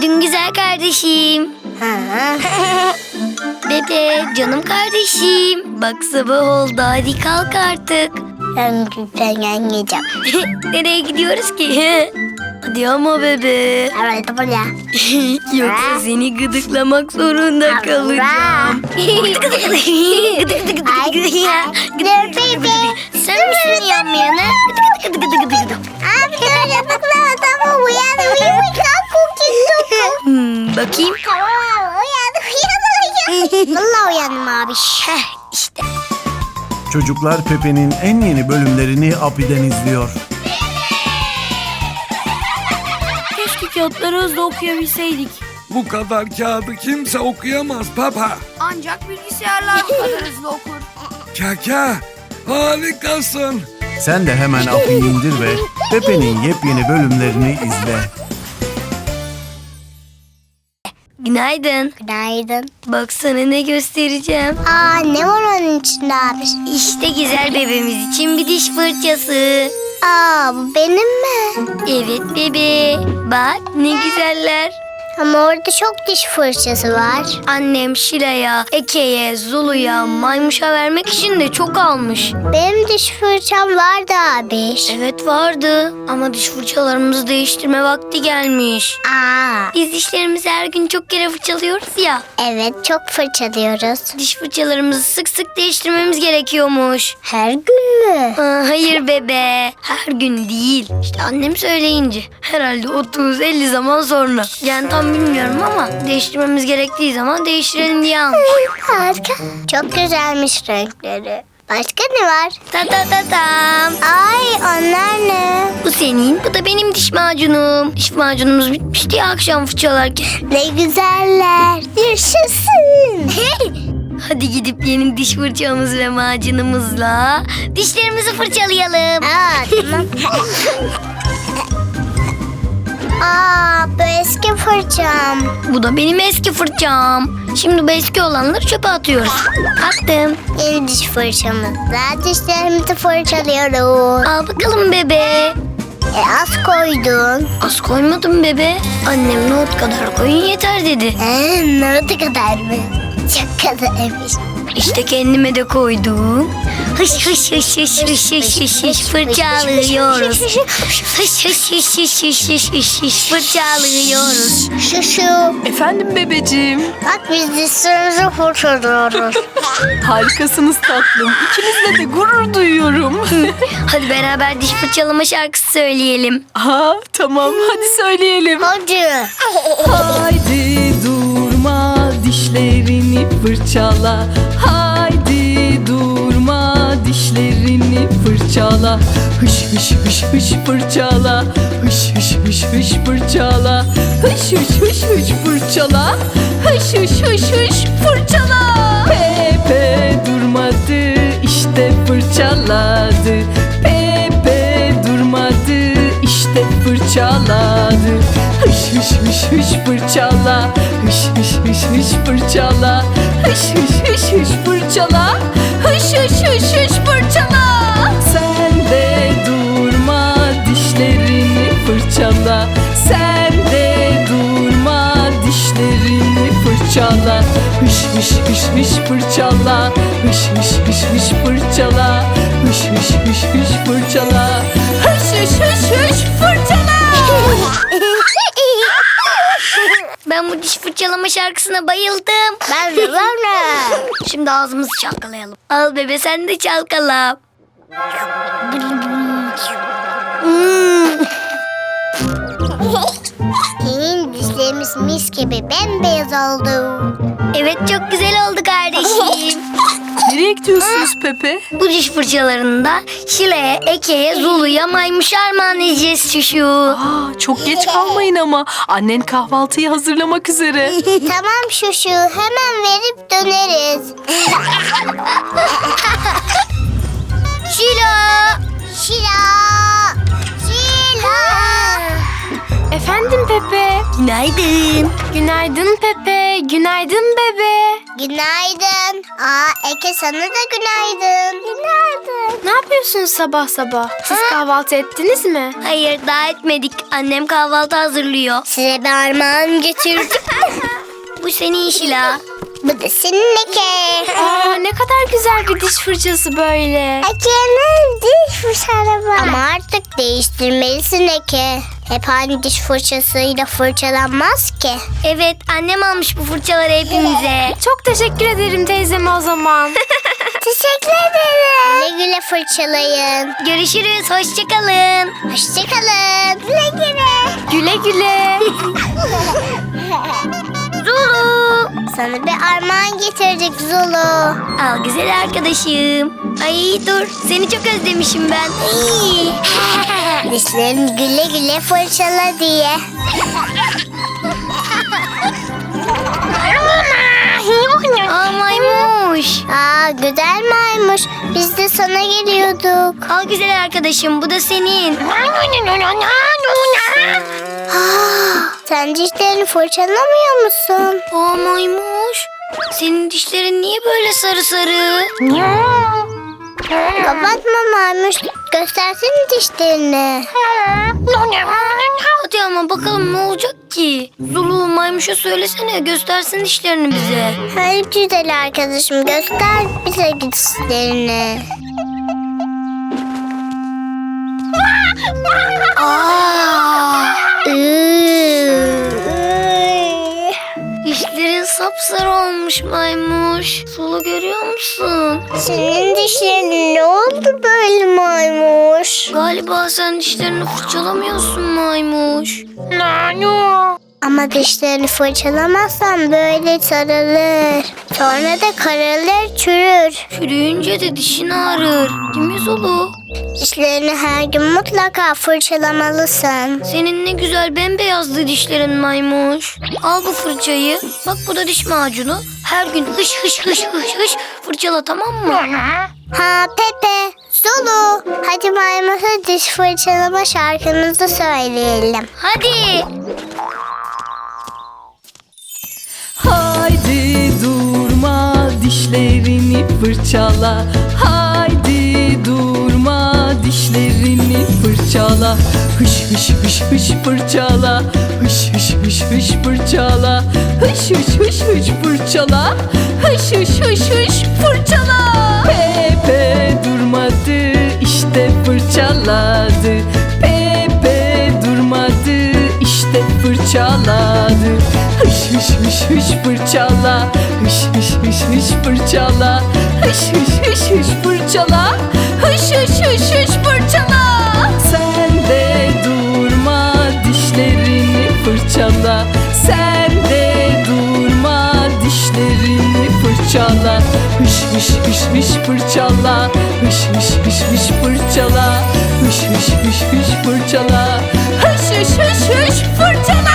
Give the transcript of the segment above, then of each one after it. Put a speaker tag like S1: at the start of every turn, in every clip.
S1: Günaydın güzel kardeşim. Bebe, canım kardeşim. Bak sabah oldu, hadi kalk artık.
S2: Ben yiyeceğim.
S1: Nereye gidiyoruz ki? Hadi ama bebe.
S2: Evet buraya.
S1: Yoksa seni gıdıklamak zorunda kalacağım. Sen misin yanmayanı?
S2: Abi dur yapıklama tamam uyan. Kalk cookie.
S1: Bakayım.
S2: Tamam uyan. Vallahi uyandım abi.
S1: İşte.
S3: Çocuklar Pepe'nin en yeni bölümlerini Api'den izliyor.
S1: Keşke kağıtları hızlı okuyabilseydik.
S4: Bu kadar kağıdı kimse okuyamaz Papa.
S5: Ancak bilgisayarlar bu kadar hızlı okur.
S4: Kaka, harikasın.
S3: Sen de hemen Api'yi indir ve Pepe'nin yepyeni bölümlerini izle.
S1: Günaydın.
S2: Günaydın.
S1: Baksana ne göstereceğim.
S2: Aa ne var onun içinde abi?
S1: İşte güzel bebeğimiz için bir diş fırçası.
S2: Aa bu benim mi?
S1: Evet bebe. Bak ne güzeller.
S2: Ama orada çok diş fırçası var.
S1: Annem Şila'ya, Eke'ye, Zulu'ya, Maymuş'a vermek için de çok almış.
S2: Benim diş fırçam vardı abi.
S1: Evet vardı ama diş fırçalarımızı değiştirme vakti gelmiş.
S2: Aa
S1: Biz dişlerimizi her gün çok kere fırçalıyoruz ya.
S2: evet çok fırçalıyoruz.
S1: Diş fırçalarımızı sık sık değiştirmemiz gerekiyormuş.
S2: Her gün mü?
S1: Hayır bebe. Her gün değil. İşte annem söyleyince. Herhalde 30-50 zaman sonra. Yani tam bilmiyorum ama değiştirmemiz gerektiği zaman değiştirelim diye almış.
S2: Harika. Çok güzelmiş renkleri. Başka ne var?
S1: Ta ta ta tam.
S2: Ay onlar ne?
S1: Bu senin, bu da benim diş macunum. Diş macunumuz bitmişti ya akşam fırçalarken.
S2: Ne güzeller. Yaşasın.
S1: Hadi gidip yeni diş fırçamız ve macunumuzla dişlerimizi fırçalayalım.
S2: Aa tamam. Aa bu eski fırçam.
S1: Bu da benim eski fırçam. Şimdi bu eski olanları çöpe atıyoruz. Attım.
S2: Yeni diş fırçamızla dişlerimizi fırçalıyoruz.
S1: Al bakalım bebe.
S2: Az koydun.
S1: Az koymadım bebe. Annem nohut kadar koyun yeter dedi.
S2: Ne kadar mı? Çok kadarmış.
S1: İşte kendime de koydum. Hış hış hış hış hış hış hış hış fırçalıyoruz. Hış hış hış hış hış hış hış hış fırçalıyoruz.
S2: Şu.
S5: Efendim bebeciğim.
S2: Bak biz dişlerimizi fırçalıyoruz.
S5: Harikasınız tatlım. İkinizle de gurur duyuyorum.
S1: Hadi beraber diş fırçalama şarkısı söyleyelim.
S5: Aa, tamam hadi söyleyelim.
S2: Hadi.
S5: Haydi durma dişlerini fırçala. Haydi durma dişlerini fırçala. Hış hış hış hış fırçala. Hış hış hış hış fırçala. Hış hış hış hış fırçala. Hış hış hış hış fırçala. Pepe durmadı işte fırçaladı. Pepe durmadı işte fırçaladı. Hış hış hış hış fırçala. Hış hış hış hış fırçala. Hış hış hış hış fırçala. Hış hış hış hış fırçala. Sen de durma dişlerini fırçala. Sen de durma dişlerini fırçala. Hış hış hış hış fırçala. Hış hış hış hış fırçala. Hış hış hış hış fırçala. Hış hış hış hış fırçala.
S1: Ben bu diş fırçalama şarkısına bayıldım.
S2: Ben de.
S1: Şimdi ağzımızı çalkalayalım. Al bebe sen de çalkala.
S2: Senin dişlerimiz mis gibi bembeyaz oldu.
S1: Evet çok güzel oldu kardeşim.
S5: Nereye gidiyorsunuz Pepe?
S1: Bu diş fırçalarını da Şile'ye, Eke'ye, Zulu'ya, Maymuş'a armağan edeceğiz şuşu.
S5: Aa, çok geç kalmayın ama. Annen kahvaltıyı hazırlamak üzere.
S2: Tamam şuşu hemen verip döneriz.
S1: Şila!
S2: Şila. Şila.
S5: Efendim Pepe?
S1: Günaydın.
S5: Günaydın Pepe. Günaydın bebe.
S2: Günaydın. Eke sana da günaydın. Günaydın.
S5: Ne yapıyorsunuz sabah sabah? Siz kahvaltı ettiniz mi?
S1: Hayır, daha etmedik. Annem kahvaltı hazırlıyor.
S2: Size bir armağan getirdim.
S1: Bu senin Şila.
S2: Bu da senin Eke.
S5: Aa, ne kadar güzel bir diş fırçası böyle.
S2: Eke'nin diş fırçaları var. Ama artık değiştirmelisin Eke. Hep aynı diş fırçasıyla fırçalanmaz ki.
S1: Evet, annem almış bu fırçaları hepimize.
S5: Çok teşekkür ederim teyzeme o zaman.
S2: Teşekkür ederim. Güle güle fırçalayın.
S1: Görüşürüz, hoşçakalın.
S2: Hoşçakalın. Güle güle.
S5: Güle güle.
S1: Zulu.
S2: Sana bir armağan getirdik Zulu.
S1: Al güzel arkadaşım. Ay dur, seni çok özlemişim ben. Ay.
S2: Dişlerini güle güle fırçala diye.
S1: Aa maymuş.
S2: Güzel maymuş. Biz de sana geliyorduk.
S1: Al güzel arkadaşım, bu da senin.
S2: Sen dişlerini fırçalamıyor musun?
S1: Aa maymuş. Senin dişlerin niye böyle sarı sarı?
S2: Kapatma maymuş. Göstersene dişlerini.
S1: Hadi ama bakalım ne olacak ki? Zulu maymuşa söylesene, göstersin dişlerini bize.
S2: Hayır güzel arkadaşım. Göster bize dişlerini.
S1: Dişlerin sapsarı olmuş maymuş. Zulu görüyor musun?
S2: Senin dişlerin ne oldu böyle maymuş?
S1: Galiba sen dişlerini fırçalamıyorsun maymuş.
S2: Ama dişlerini fırçalamazsan böyle sarılır. Sonra da kararır, çürür.
S1: Çürüyünce de dişin ağrır. Değil mi Zulu?
S2: Dişlerini her gün mutlaka fırçalamalısın.
S1: Senin ne güzel bembeyazdı dişlerin maymuş. Al bu fırçayı. Bak bu da diş macunu. Her gün hış hış hış hış hış fırçala, tamam mı?
S2: Pepe, Zulu. Hadi maymuşa diş fırçalama şarkımızı söyleyelim.
S1: Hadi.
S6: Haydi durma dişlerini fırçala. Haydi durma dişlerini fırçala. Hış hış hış hış fırçala. Hış hış hış hış fırçala. Hış hış hış hış fırçala. Hış hış hış hış fırçala. Pepe durmadı işte fırçaladı. Pepe durmadı işte fırçaladı. Hış hış hış hış fırçala. Hış hış hış hış fırçala. Hış hış hış hış fırçala. Hış hış hış hış fırçala. Sen de durma dişlerini fırçala. Sen de durma dişlerini fırçala. Hış hış hış hış fırçala. Hış hış hış hış fırçala. Hış hış hış hış fırçala. Hış hış hış hış fırçala.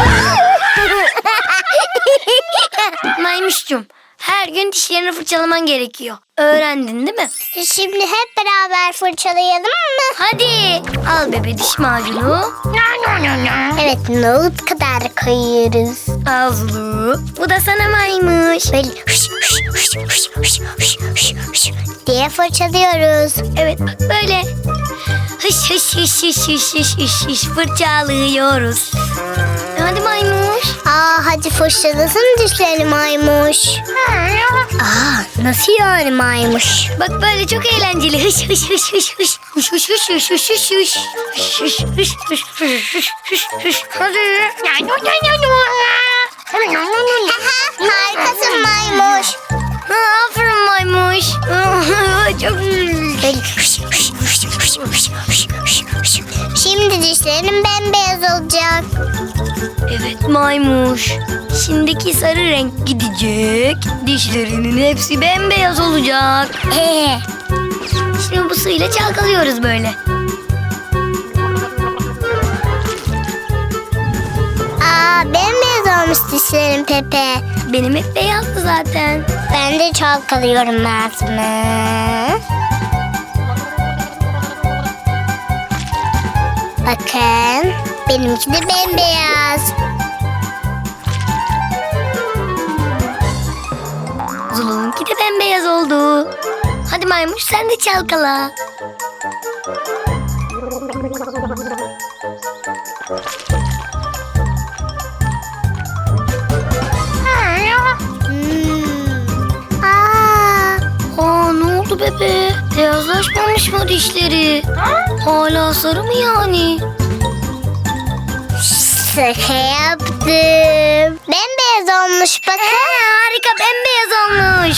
S1: Maymuşcum, her gün dişlerini fırçalaman gerekiyor. Öğrendin değil mi?
S2: Şimdi hep beraber fırçalayalım mı?
S1: Hadi. Al bebe diş macunu.
S2: Evet, nohut kadar koyuyoruz.
S1: Al Zulu. Bu da sana maymuş.
S2: Böyle hış hış hış hış hış hış hış hış diye fırçalıyoruz.
S1: Evet bak böyle. Hış hış hış hış hış hış hış hış fırçalıyoruz. Hadi maymuş.
S2: Hadi fırçalasın dişlerini maymuş. Nasıl yani maymuş?
S1: Bak böyle çok eğlenceli. Hış hış hış hış hış. Hış hış hış hış hış hış hış. Hış hış hış hış hış hış hış. Hadi.
S2: Harikasın maymuş.
S1: Aferin maymuş. Çok
S2: Böyle hış hış hış hış hış hış hış hış. Şimdi dişlerin bembeyaz olacak.
S1: Evet maymuş. Şimdiki sarı renk gidecek. Dişlerinin hepsi bembeyaz olacak. Şimdi bu suyla çalkalıyoruz böyle.
S2: Bembeyaz olmuş dişlerin Pepe.
S1: Benim hep beyazdı zaten.
S2: Ben de çalkalıyorum ağzımı. Bakın, benimki de bembeyaz.
S1: Zulu'nunki de bembeyaz oldu. Hadi maymuş sen de çalkala. Ne oldu bebe? Beyazlaşmamış mı dişleri? Hala sarı mı yani?
S2: Şaka yaptım. Bembeyaz olmuş bakın.
S1: Harika bembeyaz olmuş.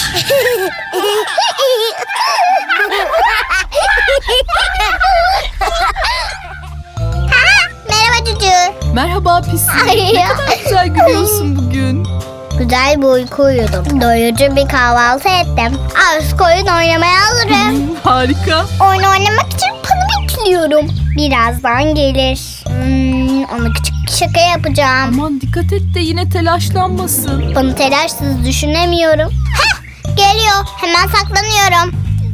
S2: Merhaba Cucu.
S6: Merhaba Pisi.
S2: Ay
S6: Ne
S2: ya.
S6: kadar güzel gülüyorsun bugün.
S2: Güzel bir uyku uyudum. Doyurucu bir kahvaltı ettim. Az koyun oynamaya alırım.
S6: Harika.
S2: Oyun oynamak için panı bekliyorum. Birazdan gelir. Ona küçük bir şaka yapacağım.
S6: Aman dikkat et de yine telaşlanmasın.
S2: Bunu telaşsız düşünemiyorum. Hah, geliyor. Hemen saklanıyorum.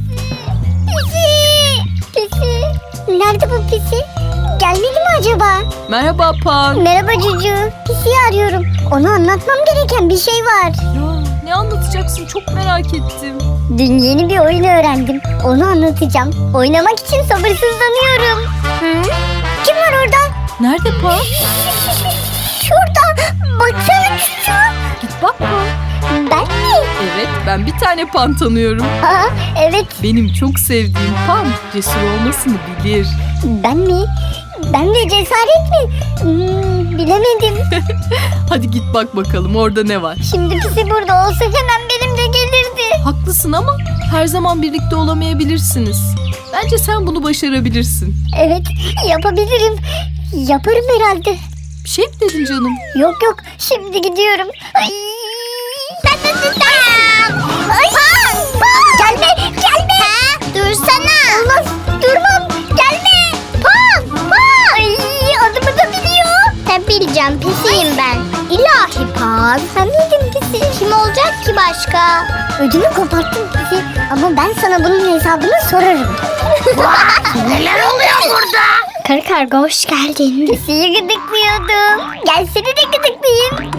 S2: Pisi. Pisi. Nerede bu Pisi? Gelmedi mi acaba?
S6: Merhaba Pan.
S2: Merhaba Cucu. Pisi'yi arıyorum. Ona anlatmam gereken bir şey var.
S6: Ya ne anlatacaksın çok merak ettim.
S2: Dün yeni bir oyun öğrendim. Onu anlatacağım. Oynamak için sabırsızlanıyorum. Kim var orada?
S6: Nerede Pan?
S2: Şurada. Baksana Cucu.
S6: Git bak Pan.
S2: Ben mi?
S6: Evet ben bir tane Pan tanıyorum.
S2: Aa, evet.
S6: Benim çok sevdiğim Pan cesur olmasını bilir.
S2: Ben mi? Ben de cesaret mi? Bilemedim.
S6: Hadi git bak bakalım orada ne var.
S2: Şimdi Pisi burada olsa hemen benimle gelirdi.
S6: Haklısın ama her zaman birlikte olamayabilirsiniz. Bence sen bunu başarabilirsin.
S2: Evet, yapabilirim. Yaparım herhalde.
S6: Bir şey mi dedin canım?
S2: Yok yok, şimdi gidiyorum. Ay. Gelme, gelme. Dursana. Olmaz, durmam. Gelme. Pan, Pan. Ay, adımı da biliyor. Tabii bileceğim, Pisiyim ben. İlahi Pan. Sen miydin Pisi? Kim olacak ki başka? Ödümü koparttın Pisi. Ama ben sana bunun hesabını sorarım.
S1: Neler oluyor burada?
S2: Karı karga hoş geldin. Pisiyi gıdıklıyordum. Gel seni de gıdıklayayım.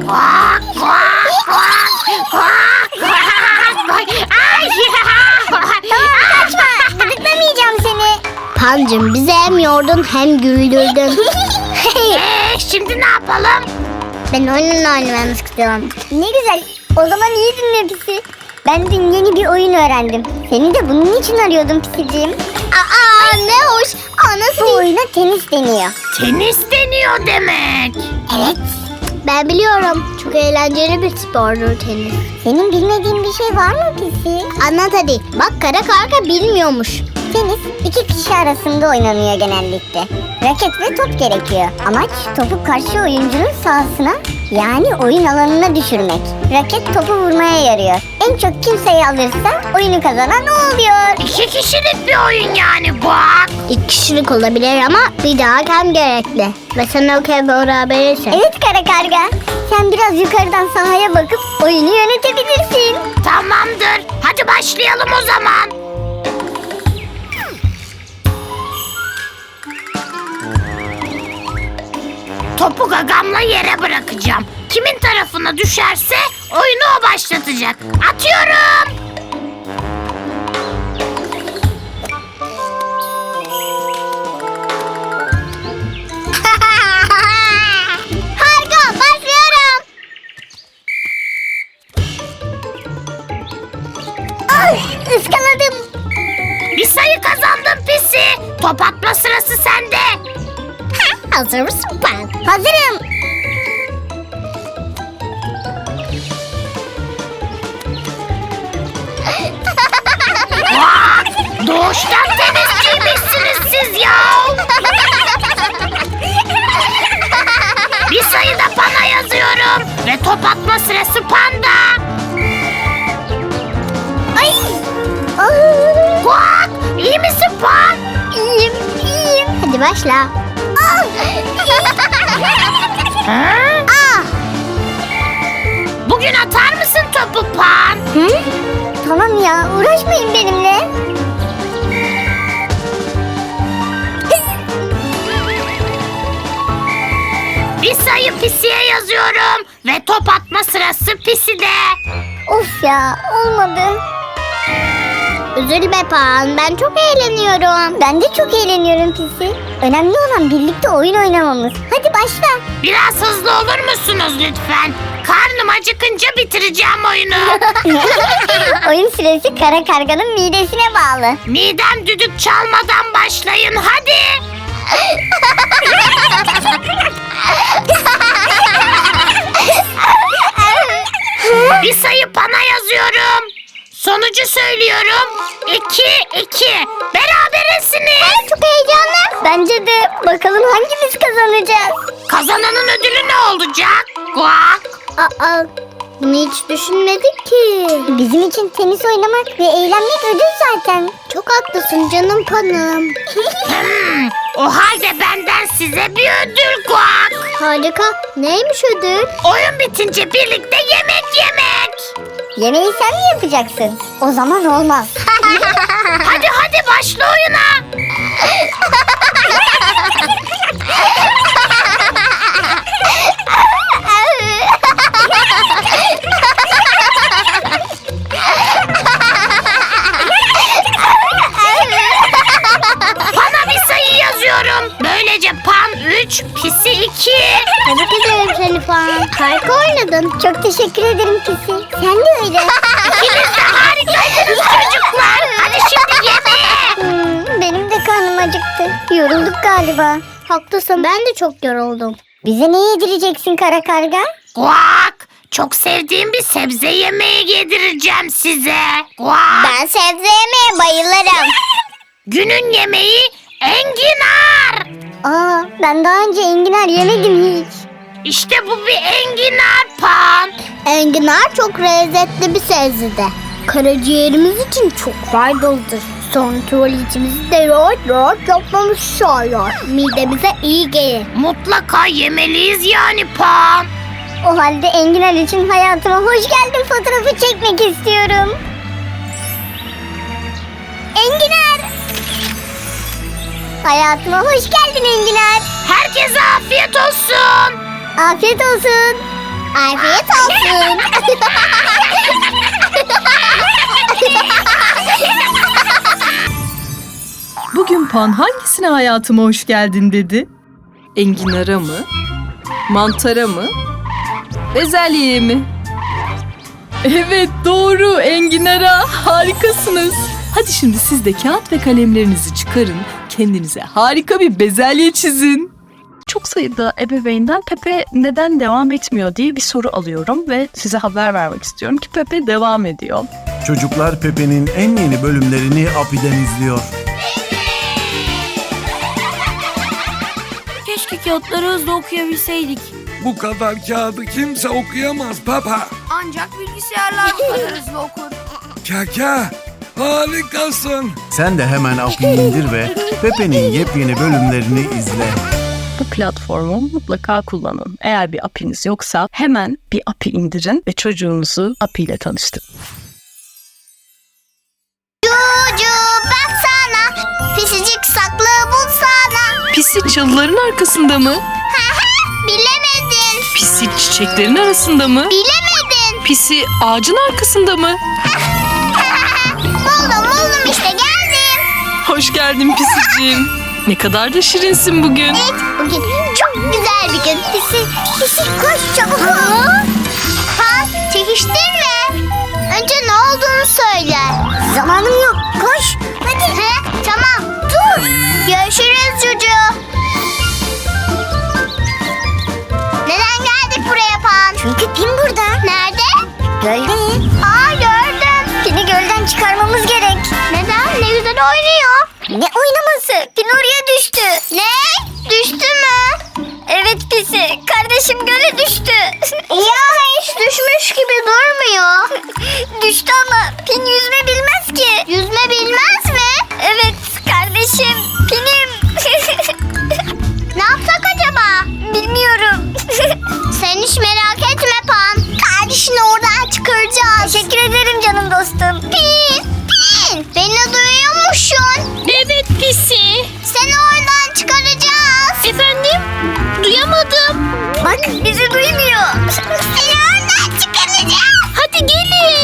S2: Kaçma. Gıdıklamayacağım seni. Pancım bizi hem yordun hem güldürdün.
S1: Şimdi ne yapalım?
S2: Ben oyunla oynamak istiyorum. Ne güzel. O zaman iyi dinle Pisi. Ben dün yeni bir oyun öğrendim. Seni de bunun için arıyordum Pisiciğim. Aa ne hoş. Nasıl bu oyuna tenis deniyor.
S1: Tenis deniyor demek.
S2: Evet. Ben biliyorum. Çok eğlenceli bir spordur tenis. Senin bilmediğin bir şey var mı Pisi? Anlat hadi. Bak kara karga bilmiyormuş. Tenis iki kişi arasında oynanıyor genellikle. Raket ve top gerekiyor. Amaç topu karşı oyuncunun sahasına yani oyun alanına düşürmek. Raket topu vurmaya yarıyor. En çok kim sayı alırsa oyunu kazanan o oluyor.
S1: 2 kişilik bir oyun yani bu.
S2: 2 kişilik olabilir ama bir daha hakem gerekli. Ve sen okey berabersin. Evet kara karga. Sen biraz yukarıdan sahaya bakıp oyunu yönetebilirsin.
S1: Tamamdır. Hadi başlayalım o zaman. Topu gagamla yere bırakacağım. Kimin tarafına düşerse oyunu o başlatacak. Atıyorum.
S2: Harika başlıyorum. Ay ıskaladım.
S1: Bir sayı kazandın Pisi. Top atma sırası sende.
S2: Hazır mısın ben? Hazırım.
S1: Doğuştan tenisçiymişsiniz siz ya. Bir sayı da Pan'a yazıyorum. Ve top atma sırası Pan'da.
S2: Ay.
S1: Kuak! İyi misin Pan?
S2: İyiyim, iyiyim. Hadi başla.
S1: Bugün atar mısın topu Pan?
S2: Hı? Tamam ya, uğraşmayın benimle.
S1: Bir sayı Pisi'ye yazıyorum. Ve top atma sırası Pisi'de.
S2: Of ya, olmadı. Üzülme Pan, ben çok eğleniyorum. Ben de çok eğleniyorum Pisi. Önemli olan birlikte oyun oynamamız. Hadi başla.
S7: Biraz hızlı olur musunuz lütfen? Karnım acıkınca bitireceğim oyunu.
S2: Oyun süresi kara karganın midesine bağlı.
S7: Midem düdük çalmadan başlayın hadi. Bir sayı Pan'a yazıyorum. Sonucu söylüyorum. 2-2. Berabersiniz.
S2: Çok heyecanlı. Bence de. Bakalım hangimiz kazanacağız?
S7: Kazananın ödülü ne olacak? Guak.
S2: Aa, bunu hiç düşünmedik ki. Bizim için tenis oynamak ve eğlenmek ödül zaten. Çok haklısın canım Pan'ım.
S7: O halde benden size bir ödül Guak.
S2: Harika. Neymiş ödül?
S7: Oyun bitince birlikte yemek yemek.
S2: Yemeği sen mi yapacaksın? O zaman olmaz.
S7: Hadi başla oyuna. Pan'a bir sayı yazıyorum. Böylece Pan 3, Pisi 2.
S2: Tebrik ederim seni Pan. Harika oynadın. Çok teşekkür ederim Pisi. Sen de öyle.
S7: İkiniz de harikaydınız çocuklar. Hadi şimdi yemeğe.
S2: Benim de karnım acıktı. Yorulduk galiba. Haklısın, ben de çok yoruldum. Bize ne yedireceksin kara karga?
S7: Guak. Çok sevdiğim bir sebze yemeği yedireceğim size. Guak.
S2: Ben sebze yemeye bayılırım.
S7: Günün yemeği enginar.
S2: Aa, ben daha önce enginar yemedim hiç.
S7: İşte bu bir enginar Pan.
S2: Enginar çok lezzetli bir sebze. Karaciğerimiz için çok faydalıdır. Sonra tuvaletimizi de rahat yapmamız sağlar. Midemize iyi gelir.
S7: Mutlaka yemeliyiz yani Pan.
S2: O halde enginar için hayatıma hoş geldin fotoğrafı çekmek istiyorum. Enginar! Hayatıma hoş geldin enginar.
S7: Herkese afiyet olsun.
S2: Afiyet olsun. Afiyet olsun.
S6: Bugün Pan hangisine hayatıma hoş geldin dedi? Enginara mı? Mantara mı? Bezelyeye mi? Evet doğru, enginara. Harikasınız. Hadi şimdi siz de kağıt ve kalemlerinizi çıkarın. Kendinize harika bir bezelye çizin.
S5: Çok sayıda ebeveynden Pepe neden devam etmiyor diye bir soru alıyorum ve size haber vermek istiyorum ki Pepe devam ediyor.
S3: Çocuklar Pepe'nin en yeni bölümlerini Api'den izliyor.
S1: Keşke kağıtları hızlı okuyabilseydik.
S4: Bu kadar kağıdı kimse okuyamaz Papa.
S1: Ancak bilgisayarlar bu kadar hızlı okur.
S4: Kaka, harikasın.
S3: Sen de hemen Api'yi indir ve Pepe'nin yepyeni bölümlerini izle.
S5: Bu platformu mutlaka kullanın. Eğer bir API'niz yoksa hemen bir API indirin ve çocuğunuzu API ile tanıştırın.
S2: Cucu baksana. Pisicik saklı bulsana.
S5: Pisi çalıların arkasında mı?
S2: Bilemedin.
S5: Pisi çiçeklerin arasında mı?
S2: Bilemedin.
S5: Pisi ağacın arkasında mı?
S2: Buldum işte geldim.
S5: Hoş geldin Pisiciğim. Ne kadar da şirinsin bugün.
S2: Evet, bugün çok güzel bir gün. Pisi koş çabuk ol. Ha, çekiştirme. Önce ne olduğunu söyle. Zamanım yok, koş. Hadi. Tamam, dur. Görüşürüz Cucu. Neden geldik buraya Pan? Çünkü Pin burada. Nerede? Gölde. Aa, gördüm. Pin'i gölden çıkarmamız gerek. Neden? Ne güzel oynuyor. Ne oynaması? Pin oraya düştü. Ne? Düştü mü? Evet Pisi. Kardeşim göle düştü. Ya hiç düşmüş gibi durmuyor. Düştü ama Pin yüzme bilmez ki. Yüzme bilmez mi? Evet kardeşim. Pin'im. Ne yapsak acaba? Bilmiyorum. Sen hiç merak etme Pan. Kardeşini oradan çıkaracağız. Teşekkür ederim canım dostum. Pin. Beni duyuyor musun?
S7: Evet Pisi.
S2: Seni oradan çıkaracağız.
S7: Efendim? Duyamadım.
S2: Bak bizi duymuyor. Seni oradan çıkaracağız.
S7: Hadi gelin.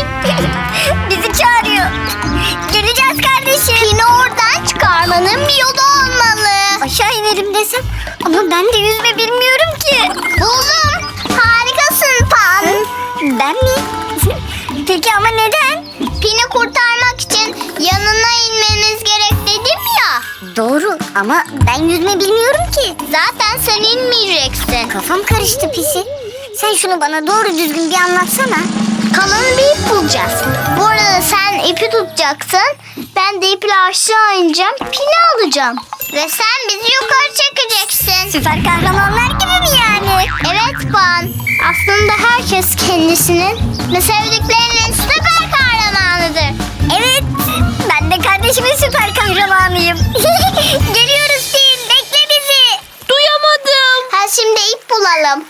S2: olmalı. Aşağı inelim desem ama ben de yüzme bilmiyorum ki. Buldum. Harikasın Pan. Ben mi? Peki ama neden? Pin'i kurtarmak için yanına inmeniz gerek dedim ya. Doğru ama ben yüzme bilmiyorum ki. Zaten sen inmeyeceksin. Kafam karıştı Pisi. Sen şunu bana doğru düzgün bir anlatsana. Kalın bir ip bulacağız. Bu arada sen ipi tutacaksın. Ben de iple aşağı ineceğim. Pini alacağım. Ve sen bizi yukarı çekeceksin. Süper kahramanlar gibi mi yani? Evet Pan. Aslında herkes kendisinin ve sevdiklerinin süper kahramanıdır. Evet. Ben de kardeşimin süper kahramanıyım. Geliyoruz Pin. Bekle bizi.
S6: Duyamadım.
S2: Ha şimdi ip bulalım.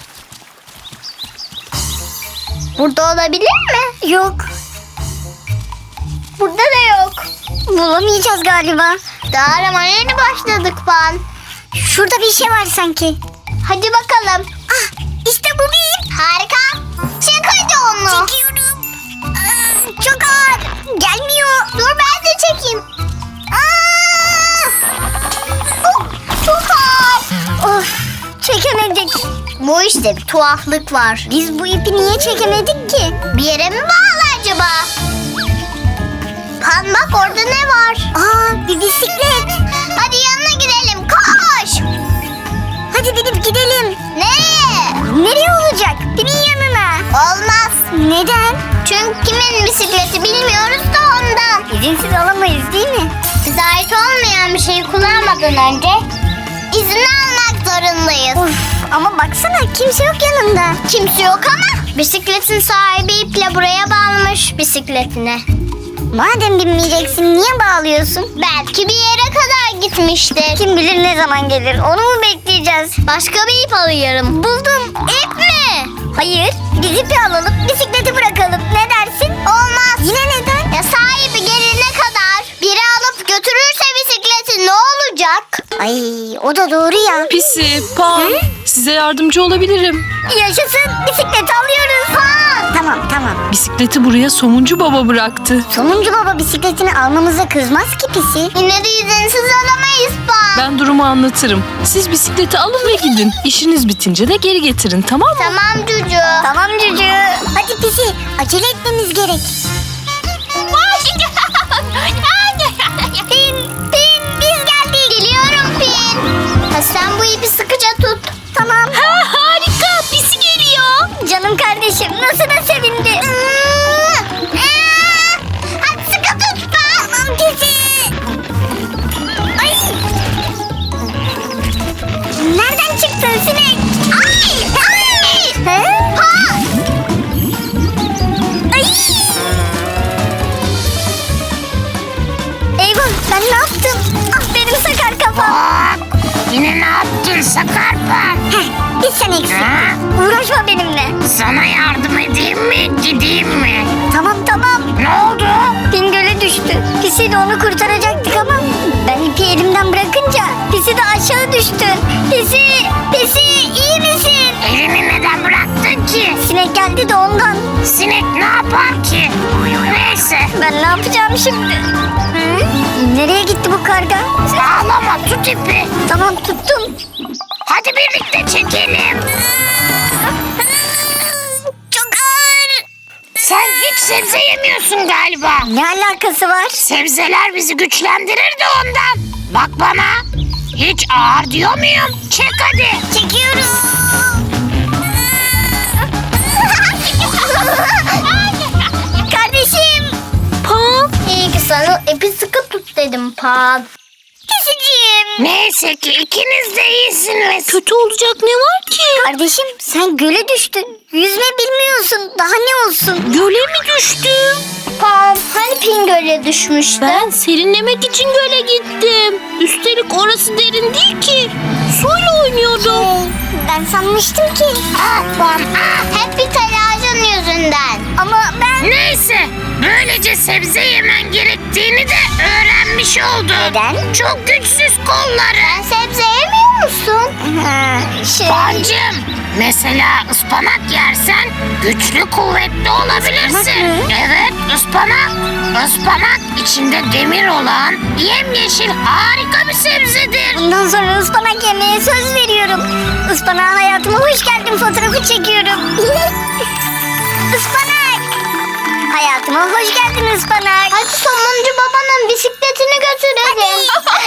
S2: Burada olabilir mi? Yok. Burada da yok. Bulamayacağız galiba. Daha aramaya yeni başladık Pan. Şurada bir şey var sanki. Hadi bakalım. Ah, işte bu bir ip. Harika. Çek hadi onu. Çekiyorum. Çok ağır. Gelmiyor. Dur ben de çekeyim. Oh, çok ağır. Of, çekemedik. Bu işte bir tuhaflık var. Biz bu ipi niye çekemedik ki? Bir yere mi bağlı acaba? Pan bak orada ne var? Aa, bir bisiklet. Hadi yanına gidelim, koş. Hadi binip gidelim. Nereye? Nereye olacak? Pin'in yanına. Olmaz. Neden? Çünkü kimin bisikleti bilmiyoruz da ondan. İzinsiz alamayız değil mi? Bize ait olmayan bir şeyi kullanmadan önce izin almak zorundayız. Of, ama baksana kimse yok yanında. Kimse yok ama bisikletin sahibi iple buraya bağlamış bisikletine. Madem binmeyeceksin niye bağlıyorsun? Belki bir yere kadar gitmiştir. Kim bilir ne zaman gelir, onu mu bekleyeceğiz? Başka bir ip alıyorum. Buldum. İp mi? Hayır. Biz ipi alalım, bisikleti bırakalım. Ne dersin? Olmaz. Yine neden? Ya sahibi gelene kadar biri alıp götürürse bisikleti ne olacak? Ay o da doğru ya.
S6: Pisi, Pan, size yardımcı olabilirim.
S2: Yaşasın, bisikleti alıyoruz. Ha. Tamam.
S6: Bisikleti buraya Somuncu Baba bıraktı.
S2: Somuncu baba bisikletini almamıza kızmaz ki Pisi. Yine de izinsiz alamayız Pan.
S6: Ben durumu anlatırım. Siz bisikleti alın ve gidin. İşiniz bitince de geri getirin, tamam mı?
S2: Tamam Cucu. Tamam Cucu. Hadi Pisi, acele etmemiz gerek. Pin, biz geldik. Geliyorum Pin. Ha, sen bu ipi sıkıca tut. Tamam. Harika, Pisi geliyor. Canım kardeşim, nasıl da sevindi. Hadi sıkı tut Pan. Tamam Pisi. Ay. Nereden çıktın sinek? Ay! Ha? Ay! Eyvah, ben ne yaptım? Ah benim sakar kafam.
S7: Yine ne yaptın Sakarpa?
S2: Bir sen eksik. Uğraşma benimle.
S7: Sana yardım edeyim mi, gideyim mi?
S2: Tamam.
S7: Ne oldu?
S2: Pin göle düştü. Pisi de onu kurtaracaktık ama ben ipi elimden bırakınca Pisi de aşağı düştü. Pisi iyi misin?
S7: Elini neden bıraktın ki?
S2: Sinek geldi de ondan.
S7: Sinek ne yapar ki? Neyse,
S2: Ben ne yapacağım şimdi? Nereye gitti bu karga?
S7: ağlama, tut ipi.
S2: Tamam tuttum.
S7: Hadi birlikte çekelim.
S2: Çok ağır.
S7: Sen hiç sebze yemiyorsun galiba.
S2: Ne alakası var?
S7: Sebzeler bizi güçlendirir de ondan. Bak bana. Hiç ağır diyor muyum? Çek hadi.
S2: Çekiyorum. Kardeşim. Pan. İyi ki sana ipi sıkı tut dedim Pan. Pisiciğim.
S7: Neyse ki ikiniz de iyisiniz.
S2: Kötü olacak ne var ki? Kardeşim sen göle düştün. Yüzme bilmiyorsun. Daha ne olsun?
S6: Göle mi düştüm?
S2: Pan hani Pin göle düşmüştü?
S6: Ben serinlemek için göle gittim. Üstelik orası derin değil ki. Suyla oynuyordum.
S2: Ben sanmıştım ki.
S7: Ah Pan,
S2: Hep bir telaşın yüzünden. Ama ben...
S7: Neyse, böylece sebze yemen gerektiğini de öğrenmiş oldun.
S2: Neden?
S7: Çok güçsüz kolları.
S2: Sebze yemiyor musun?
S7: Pancım, mesela ıspanak yersen güçlü kuvvetli olabilirsin.
S2: Ispanak mı?
S7: Evet, ıspanak. Ispanak içinde demir olan yemyeşil harika bir sebzedir.
S2: Bundan sonra ıspanak yemeye söz veriyorum. Ispanağa hayatıma hoş geldin fotoğrafı çekiyorum. Ispanak. Hayatıma hoş geldin ıspanak. Hadi somuncu babanın bisikletini götürelim.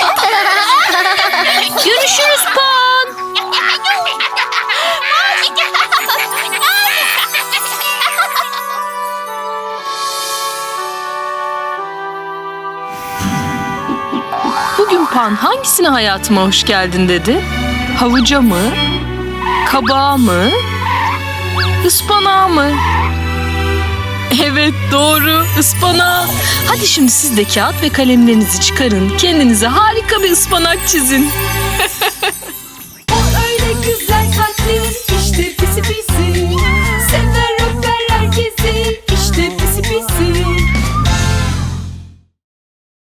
S6: Görüşürüz Pan. Bugün Pan hangisine hayatıma hoş geldin dedi? Havuca mı? Kabağa mı? Ispanağa mı? Evet doğru, ıspanağa. Hadi şimdi siz de kağıt ve kalemlerinizi çıkarın. Kendinize harika bir ıspanak çizin.
S8: O öyle güzel kalpli işte pisi pisi. Sever öper herkesi işte pisi pisi.